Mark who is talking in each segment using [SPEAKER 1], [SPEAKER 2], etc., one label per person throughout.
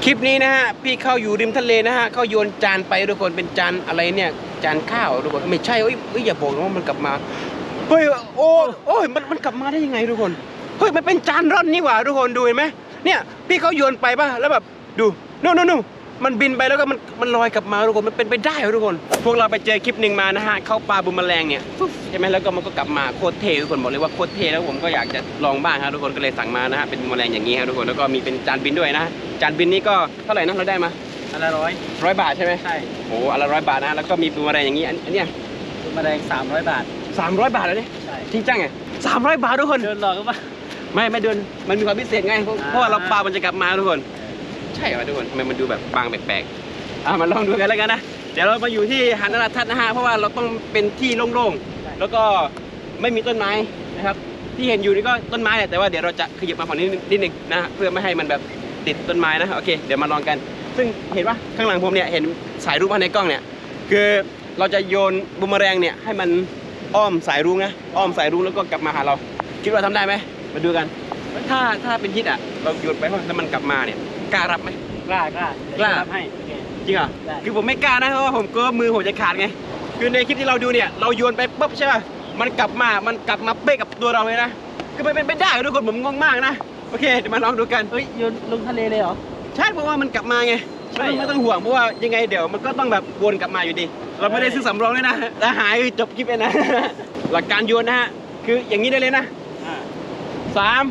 [SPEAKER 1] คลิปนี้นะฮะพี่เข้าอยู่ริมทะเลนะฮะเขาโยนจานไปทุกคนเป็นจานอะไรเนี่ยจานข้าวทุกคนไม่ใช่เอ้ยอย่าบอกนะว่ามันกลับมาเฮ้ยโอ้ยมันกลับมาได้ยังไงทุกคนเฮ้ยมันเป็นจานร่อนนี่หว่าทุกคนดูเห็นไหมเนี่ยพี่เขาโยนไปป่ะแล้วแบบดูนู่นมันบินไปแล้วก็มันลอยกลับมาทุกคนมันเป็นไปได้ทุกคนพวกเราไปเจอคลิปหนึ่งมานะฮะเข้าปลาบูมแมลงเนี่ยใช่ไหมแล้วก็มันก็กลับมาโคตรเท่ทุกคนบอกเลยว่าโคตรเท่แล้วผมก็อยากจะลองบ้างครับทุกคนก็เลยสั่งมานะฮะเป็นบูมแมลงอย่างนี้ครับทุกคนแล้วก็มีเป็นจานบินด้วยนะจานบินนี้ก็เท่าไหร่นะเราได้มา
[SPEAKER 2] อันละ
[SPEAKER 1] 100 บาทใช่ไหมใช่โอ้อันละ100 บาทนะแล้วก็มีบูมแมลงอย่างนี้อันเนี้ย
[SPEAKER 2] บูมแมลง300 บาท
[SPEAKER 1] 300 บาทเลยนี่ใช่จริงจังไง300 บาททุกคน
[SPEAKER 2] เดินหลอกก็ป่ะ
[SPEAKER 1] ไม่เดินมันมีความพิเศษไงเพราะว่าเราปลามันจะกลับมาทุกคนใช่ไหมทุกคนทำไมมันดูแบบบางแปลกๆมาลองดูกันแล้วกันนะเดี๋ยวเรามาอยู่ที่หาดนราทัศน์นะฮะเพราะว่าเราต้องเป็นที่โล่งๆแล้วก็ไม่มีต้นไม้นะครับที่เห็นอยู่นี่ก็ต้นไม้แหละแต่ว่าเดี๋ยวเราจะขยับมาฝั่งนี้นิดนึงนะเพื่อไม่ให้มันแบบติดต้นไม้นะโอเคเดี๋ยวมาลองกันซึ่งเห็นปะข้างหลังผมเนี่ยเห็นสายรุ้งมาในกล้องเนี่ยคือเราจะโยนบูมเมอแรงเนี่ยให้มันอ้อมสายรุ้งนะอ้อมสายรุ้งแล้วก็กลับมาหาเราคิดว่าทำได้ไหมมาดูกันถ้าเป็นฮิตอ่ะเราโยนไปแล้วมันกลับมาเนี่ยกล้ารับไหม
[SPEAKER 2] กล้ารับให้
[SPEAKER 1] จริงเหรอคือผมไม่กล้านะเพราะว่าผมกลัวมือผมจะขาดไงคือในคลิปที่เราดูเนี่ยเราโยนไปปุ๊บใช่ป่ะมันกลับมาเป๊ะกับตัวเราเลยนะคือมันเป็นไปได้ทุกคนผมงงมากนะโอเคเดี๋ยวมาลองดูกัน
[SPEAKER 2] เฮ้ยโยนลงทะเลเลยเหรอ
[SPEAKER 1] ใช่เพราะว่ามันกลับมาไงไม่ต้องห่วงเพราะว่ายังไงเดี๋ยวมันก็ต้องแบบวนกลับมาอยู่ดีเราไม่ได้ซื้อสำรองเลยนะถ้าหายจบคลิปเลยนะหลักการโยนนะฮะคืออย่างนี้ได้เลยนะ3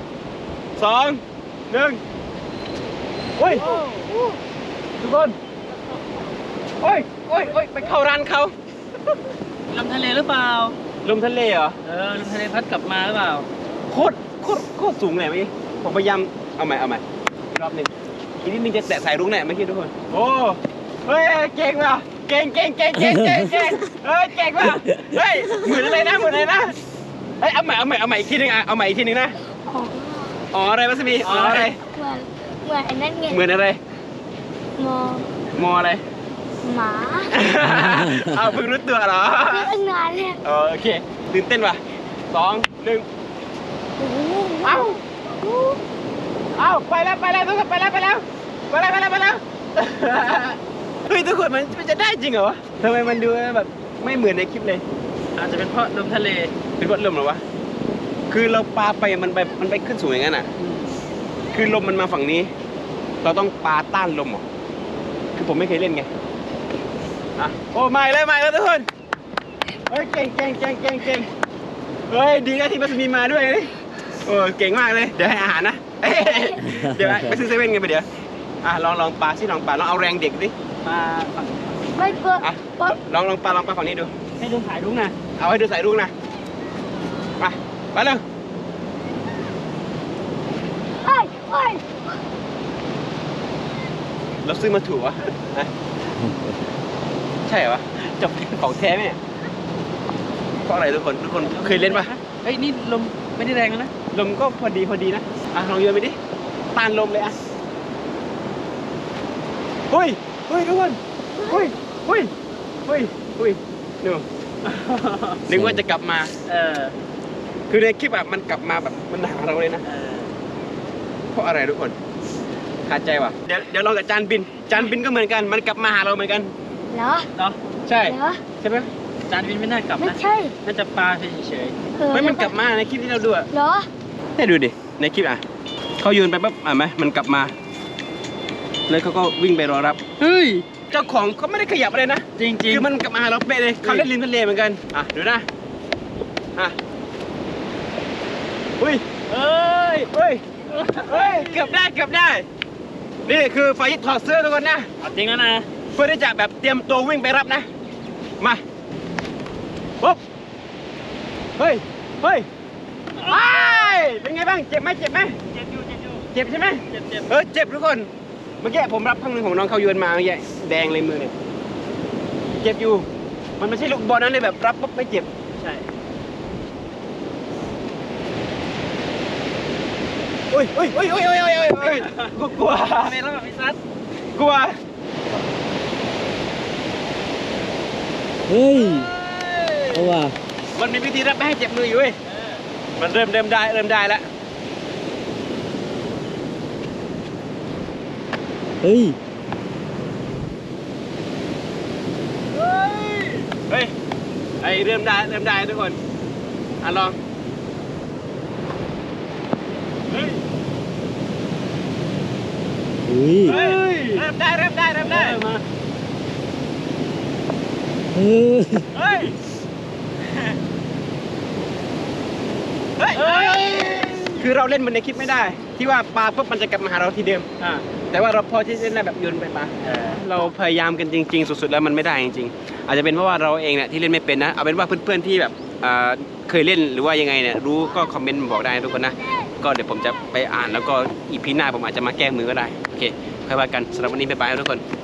[SPEAKER 1] 2 1โอ้ยทุกคนโอ้ยไปเข้าร้านเขา
[SPEAKER 2] ลมทะเลหรือเปล่า
[SPEAKER 1] ลมทะเลเหรอ
[SPEAKER 2] ลมทะเลพัดกลับมาหรือเปล่า
[SPEAKER 1] โคตรสูงเลยเมื่อกี้ผมพยายามเอาใหม่รอบหนึ่งอีกนิดนึงจะแตะสายรุ้งแน่เมื่อกี้ทุกคนโอ้เฮ้ยเก่งว่ะเก่งเฮ้ยเก่งว่ะเฮ้ยเหมือนอะไรนะเฮ้ยเอาใหม่อีกทีนึงเอาใหม่อีกทีนึงนะอ๋ออะไรวะสมีอ๋ออะไร
[SPEAKER 3] เหมือนอันนั้นไง
[SPEAKER 1] เหมือนอะไรมออะไร
[SPEAKER 3] หมา
[SPEAKER 1] เอาเพิ่งรู้ตัวเหรอ
[SPEAKER 3] ตั้งนานแล้ว
[SPEAKER 1] โอเคตื่นเต้นว่ะ2 1เอาไปแล้วทุกคนไปแล้วเฮ้ยทุกคนมันจะได้จริงเหรอทำไมมันดูแบบไม่เหมือนในคลิปเลย
[SPEAKER 2] อาจจะเป็นเพราะลมทะเล
[SPEAKER 1] เป็นเพราะลมหรอวะคือเราปาไปมันไปขึ้นสูงอย่างนั้นอ่ะคือลมมันมาฝั่งนี้เราต้องปาต้านลมหรอคือผมไม่เคยเล่นไงโอ้ไม่แล้วทุกคนเฮ้ยเก่งเฮ้ยดีนะที่มัสมีมาด้วยนี่โอ้เก่งมากเลยเดี๋ยวให้อาหารนะเดี๋ยวไปซื้อเซเว่นกันไปเดี๋ยวลองปลาสิลองเอาแรงเด็กดิ
[SPEAKER 2] ปลาฝั่ง
[SPEAKER 3] ไม่เปิด
[SPEAKER 1] ลองปลาฝั่งนี้ดู
[SPEAKER 2] ให้ดูสายรุ้งนะ
[SPEAKER 1] เอาให้ดูสายรุ้งนะไปเลยเราซื้อมาถูกวะใช่เหรอวะจบของแท้ไหมเนี่ยเพราะอะไรทุกคนเคยเล่นปะ
[SPEAKER 2] เฮ้ยนี่ลมไม่ได้แรงนะ
[SPEAKER 1] ลมก็พอดีนะลองโยนไปดิต้านลมเลยเฮ้ยทุกคนเฮ้ยดูนึกว่าจะกลับมาคือในคลิปแบบมันกลับมาแบบมันหาเราเลยนะเพราะอะไรทุกคนขาดใจว่ะเดี๋ยวลองกับจานบินก็เหมือนกันมันกลับมาหาเราเหมือนกัน
[SPEAKER 3] เหรอ
[SPEAKER 1] ใช่ไหม
[SPEAKER 2] จานบินไม่น่ากลับนะ
[SPEAKER 3] ไม่ใช่
[SPEAKER 2] น่าจะปลาเฉย
[SPEAKER 1] ไม่มันกลับมาในคลิปที่เราดูเหรอให้ดูดิในคลิปเขาโยนไปปั๊บไหมมันกลับมาแล้วเขาก็วิ่งไปรอรับ
[SPEAKER 2] เฮ้ย
[SPEAKER 1] เจ้าของเขาไม่ได้ขยับอะไรนะ
[SPEAKER 2] จริง
[SPEAKER 1] คือมันกลับมาเราเป๊ะเลยเขาเล่นริมทะเลเหมือนกันดูนะเฮ้ยเกือบได้นี่คือไฟถอดเสื้อทุกคนนะ
[SPEAKER 2] จริงแล้วนะ
[SPEAKER 1] เพื่อที่จะแบบเตรียมตัววิ่งไปรับนะมาปุ๊บเฮ้ยเป็นไงบ้างเจ็บไหม
[SPEAKER 2] เจ็บ
[SPEAKER 1] ใช่ไหมเจ็บทุกคนเมื่อกี้ผมรับครั้งหนึ่งของน้องเขาโยนมาเมื่อกี้แดงเลยมือเนี่ยเจ็บอยู่มันไม่ใช่ลูกบอลนั้นเลยแบบรับปุ๊บไม่เจ็บ
[SPEAKER 2] ใช่
[SPEAKER 1] โอ้ยกลัว
[SPEAKER 2] ไม่รับแบบพิซัด
[SPEAKER 1] กลัว
[SPEAKER 2] เฮ้ยเอาว่ะ
[SPEAKER 1] มันมีวิธีรับไม่ให้เจ็บมืออยู่เว้ยมันเริ่มได้แล้ว
[SPEAKER 2] เฮ้ย
[SPEAKER 1] เฮ้ยไอเริ่มได้ทุกคนลองเฮ้ย
[SPEAKER 2] อุ้ย
[SPEAKER 1] เริ่มได้
[SPEAKER 2] มา
[SPEAKER 1] มา
[SPEAKER 2] เฮ้ย
[SPEAKER 1] เฮ้ยคือเราเล่นมันในคลิปไม่ได้ ที่ว่าปลาปุ๊บมันจะกลับมาหาเราทีเดิม แต่ว่าเราพอที่จะเล่นได้แบบโยนไปปลาเราพยายามกันจริงๆสุดๆแล้วมันไม่ได้จริงๆอาจจะเป็นเพราะว่าเราเองเนี่ยที่เล่นไม่เป็นนะเอาเป็นว่าเพื่อนๆที่แบบเคยเล่นหรือว่ายังไงเนี่ยรู้ก็คอมเมนต์บอกได้นะทุกคนนะก็เดี๋ยวผมจะไปอ่านแล้วก็อีพีหน้าผมอาจจะมาแก้มือก็ได้โอเคค่อยว่ากันสำหรับวันนี้บ๊ายบายทุกคน